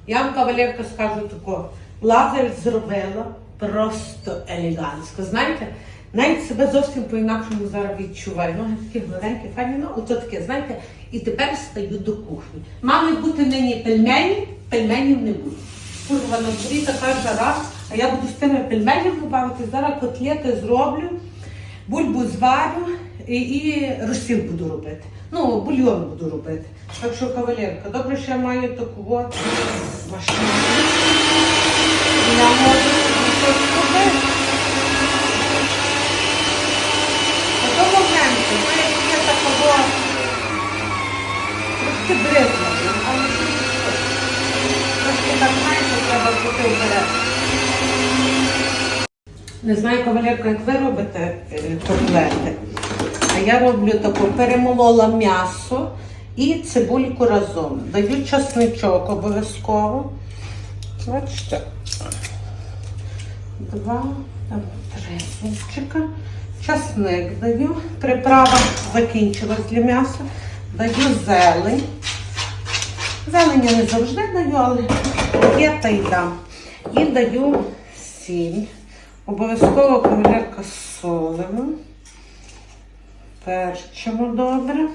Я вам, кавалерка, скажу тако. Лазер зробила просто елегантсько. Знаєте, навіть себе зовсім по-інакшому зараз відчуваю. Ноги такі гладенькі, файні, ну, ото таке, знаєте. І тепер стаю до кухні. Мали бути нині пельмені, пельменів не буде. Курва, на дворі така жара, а я буду з тими пельменями бавити. Зараз котлети зроблю, бульбу зварю і розсіл буду робити. Ну, бульйон буду робити. Так що, кавалерка, добре, що я маю таку от машину. Я можу щось робити. На тому моменті, знаєте, є такого трошки бризла, але трошки так, знаєте, треба бути вперед. Не знаю, кавалерка, як ви робите котлети, а я роблю таку, перемолола м'ясо і цибульку разом. Даю чесничок обов'язково. Бачите, 2, 3 зубчика. Часник даю. Приправа закінчилась для м'яса. Даю зелень. Зелень я не завжди даю, але є та й дам. І даю сіль. Обов'язково кавалерка солимо. Перчимо добре.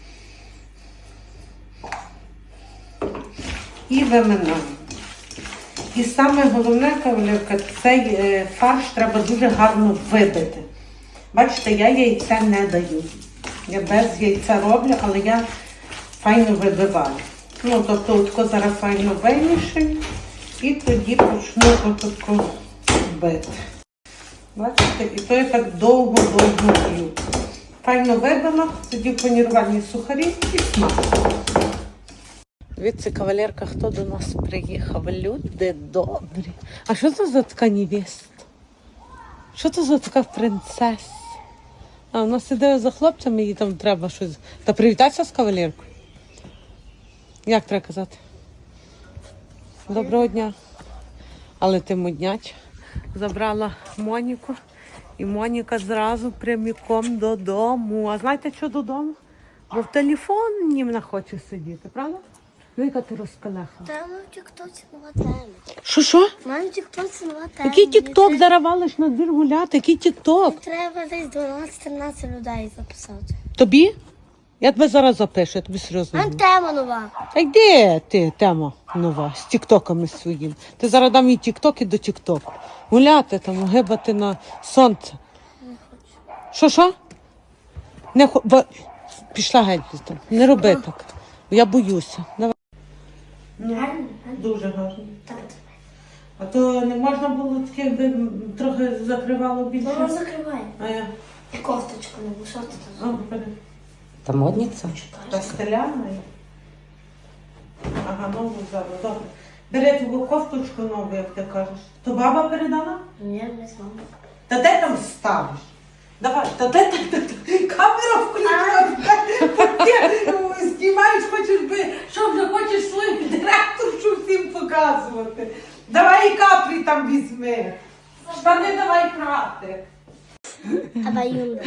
І виминаємо. І саме головне, кавалерка, цей фарш треба дуже гарно вибити. Бачите, я яйця не даю. Я без яйця роблю, але я файно вибиваю. Ну, тобто, отко зараз файно вимішаю і тоді почну отако бити. Бачите, і то я так довго-довго б'ю. Файно вибила, тоді панірувальні сухарі і смак. Дивіться, кавалерка, хто до нас приїхав. Люди добрі. А що це за така невеста? Що це за така принцеса? А вона сидить за хлопцями, їй там треба щось. Та привітайся з кавалеркою. Як треба казати? Доброго дня. Але ти модняч. Забрала Моніку. І Моніка зразу прямиком додому. А знаєте, що додому? Бо в телефоні вона хоче сидіти, правда? Ну, яка ти розкалеха. Та ми в тік-тоці нова тема. Що? Мам, в тік-тоці нова тема. Який тік-ток? Зараз валиш на двір гуляти? Який тік-ток? Треба десь 12-13 людей записати. Тобі? Я тебе зараз запишу, я тобі серйозно Мам, говорю. тема нова. А йди ти, тема нова, з тік-токами своїм. Ти зараз дам їй тік-токи до тік-току. Гуляти там, гибати на сонце. Не хочу. Що? Пішла геть звідти. Не роби так. Я боюся. Давай. Гарно? Дуже гарно. Так. А то не можна було таке, якби трохи закривало більше. Воно закриває. А я. І кофточку не було. Що ти там? Та модниця? Та стеляна. Ага, нову зараз, добре. Бери твою кофточку нову, як ти кажеш. То баба передала? Ні, не з мамою. Та де там ставиш? Давай, та де камера включена, ти знімаєш, хочеш би, що вже хочеш свою директоршу всім показувати. Давай і капрі там візьми. Штани давай прати. А баюнда.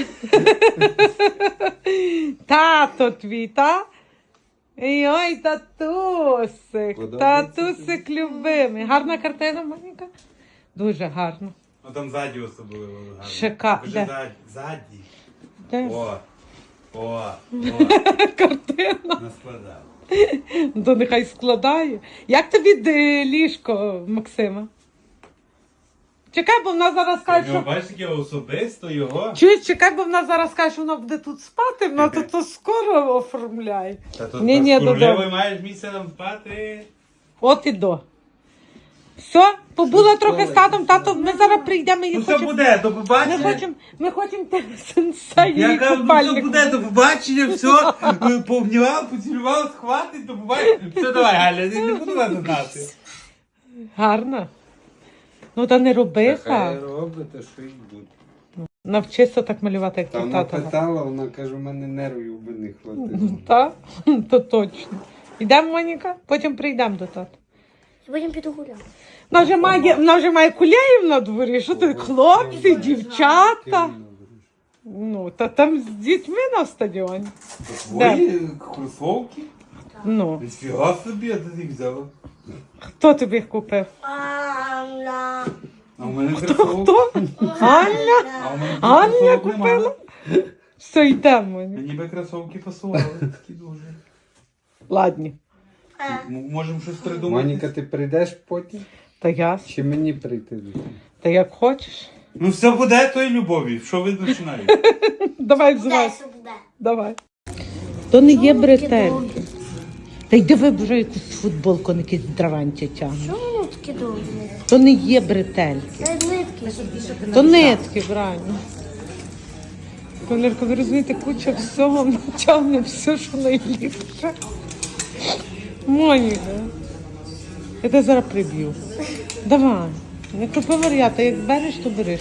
Тато твій, та? Ой, татусик, татусик любимий. Гарна картина, Моніка? Дуже гарна. Ну там ззаді особливо гарно. Шикарно. Вже ззаді. Де? О. Картина. Наскладав. То нехай складає. Як тобі ліжко, Максима? Чекай, бо вона зараз каже, що... Бачиш, яке особисто його. Чуєш, чекай, бо вона зараз каже, що вона буде тут спати, вона то скоро оформляє. Та тут Ні, королевою додому. маєш місце там спати. От і до. Все, побула трохи з татом, тато, ми зараз прийдемо і Ну все хочемо... буде, до побачення. Ми хочемо тебе сенсей Я і кажу, ну все купальник. буде, до побачення, все. Пообнімав, поцілював, схватить, до побачення. Все, давай, Галя, не буду вас знати. Гарно. Ну та не роби Хай так. робите, що й буде. Навчися так малювати, як Та твій вона тато. питала, вона каже, у мене нервів би не хватило. Так? То точно. Йдемо, Моніка, потім прийдемо до тата. І потім піду гуляти. Вона вже має куляїв на дворі. Що ти, хлопці, дівчата? Ну, та там з дітьми на стадіоні. Твої кросовки? Ну. Ніфіга собі, а ти їх взяла. Хто тобі їх купив? Анна. А у мене кросовки. Хто? Аня? А у мене Аня кросовок нема. купила? Все, йдемо. Мені би кросовки пасували, такі дуже. Ладні. Можемо щось придумати. Моніка, ти прийдеш потім? Та я. Чи мені прийти? Та як хочеш. Ну все буде тої любові. Що ви починаєте? Давай Буде, взивай. все буде. Давай. То не є бретель. довгі? Та йди вибери якусь футболку, на якісь драванті тягне. Що воно таке довге? То не є бретель. Це нитки. То нитки, правильно. Валерка, ви розумієте, куча всього натягне все, що найліпше. Моніка. Я тебе зараз приб'ю. Давай. Не купи варіата, як береш, то береш.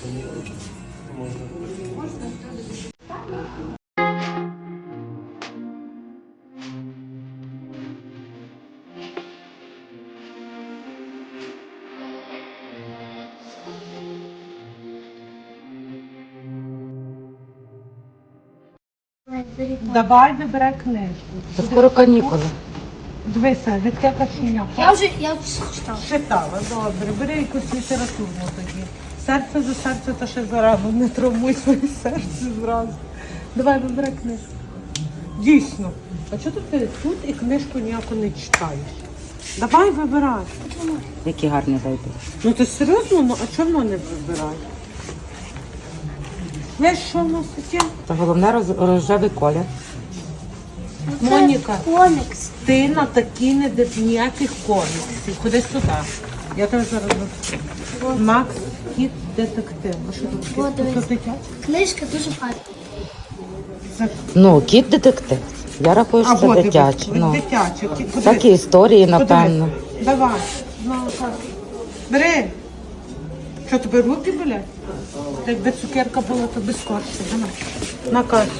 Давай вибирай книжку. Та скоро канікули. Дивися, відке кашеня. Я вже читала. Читала, добре. Бери якусь літературну тоді. Серце за серце, то ще зарано. Не травмуй своє серце зразу. Давай вибирай книжку. Дійсно. А чого ти тут і книжку ніяку не читаєш? Давай вибирай. Які гарні зайди. Ну ти серйозно? Ну а чому не вибирай? Знаєш, що в нас таке? Та головне рожевий колір. Моніка. Комікс. Ти на такі не див ніяких коміксів. Ходи сюди. Я тебе зараз розкажу. Макс Кіт детектив. А що тут О, таке? дивись. Це дитяче? Книжка дуже гарна. Це... Ну, кіт детектив. Я рахую, що це вот, дитяче. дивись, Ну, дитяче. Кіт, подивись. такі історії, напевно. Подивись. Давай. Ну, так. Бери. Що, тобі руки болять? Та якби цукерка була, то би скорше. Давай. На касу.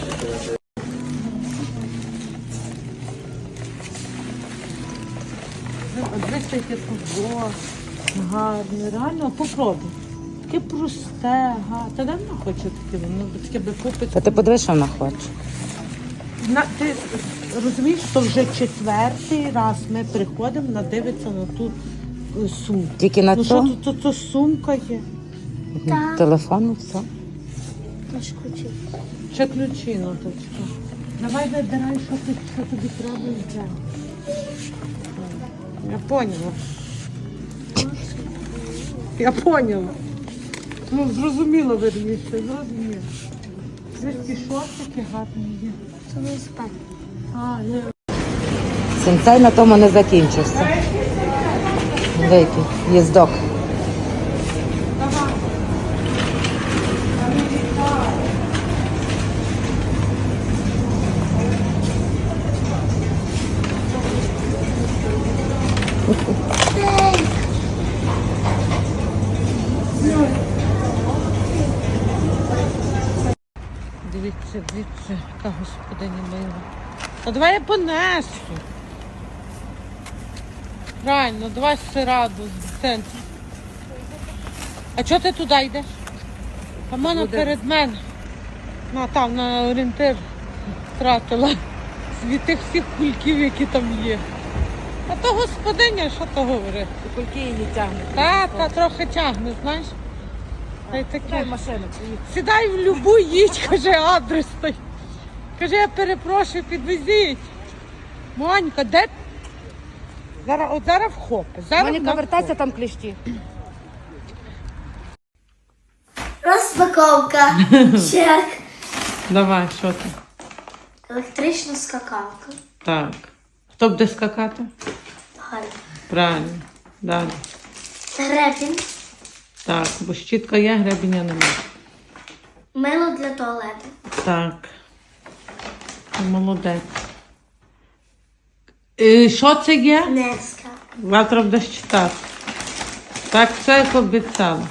Дивись, яке футбол. Гарне, реально, попробуй. Таке просте, гарне. Та давно хочу таке, воно таке би купити. Та ти подивись, що вона хоче. Ти розумієш, що вже четвертий раз ми приходимо, надивитися на ту сумку. Тільки на Ну що то тут сумка є? Так. телефон і все. Наш ключі. Ще ключі, ну точно. Давай вибирай, що тобі треба і де. Я поняла. Я поняла. Ну, зрозуміло, верніше, зрозуміло. Звідки шортики гарні є. Це не спать. А, є. Сенсей на тому не закінчився. Великий їздок. Дивіться, яка господиня мила. А давай я понесу. Правильно, давай сираду з центру. А чого ти туди йдеш? Там вона перед мене. Ну, там на орієнтир втратила від тих всіх кульків, які там є. А то господиня, що то говорить? Кульки її тягнуть. Та трохи тягне, знаєш. Та й таке. Машину. Сідай в любу, їдь, каже, адрес той. Каже, я перепрошую, підвезіть. Монька, де? Зараз вхопи. Моніка, вертайся, там кліщі. Розпаковка. Чек. Давай, що ти? Електрична скакалка. Так. Хто буде скакати? Гарно. Правильно. Далі. Гребінь. Так, бо щітка є, гребеня немає. Мило для туалету. Так. Молодець. Що це є? Неска. Завтра будеш читати. Так, все як обіцяла.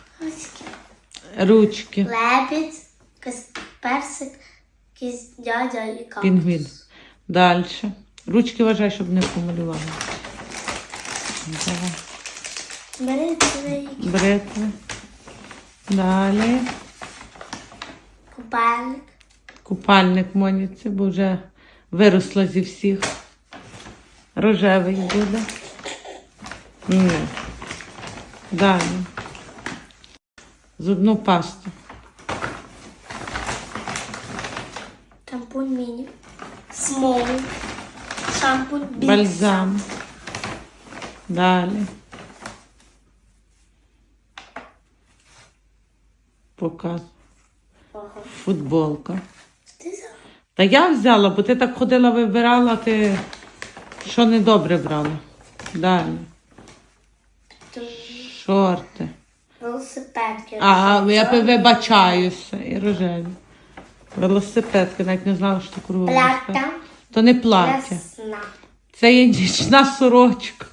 Ручки. Лебідь. Персик. Якийсь дядя і капус. Пінгвін. Далі. Ручки вважай, щоб не помалювали. Давай. Бритвий. Бритви. Далі. Купальник. Купальник Моніці, бо вже виросла зі всіх. Рожевий буде. Ні. Далі. Зубну пасту. Шампунь міні. Смол. Шампунь бікс. Бальзам. Далі. Показ. Ага. Футболка. Ти взяла? Та я взяла, бо ти так ходила, вибирала, ти що недобре брала. Далі. Шорти. Велосипедки. Я вибачаюся. І рожеві. Велосипедки, навіть не знала, що таке велосипед. Плаття. То не плаття. Для сна. Це є нічна сорочка.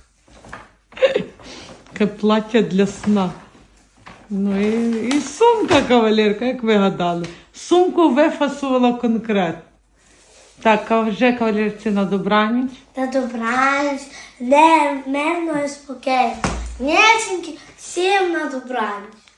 Таке плаття для сна. Ну і сумка, кавалерка, як ви гадали. Сумку вифасувала конкретно. Так, а вже кавалерці на добраніч. На добраніч. Не, мирно і спокійно. Ніченьки, всім на добраніч.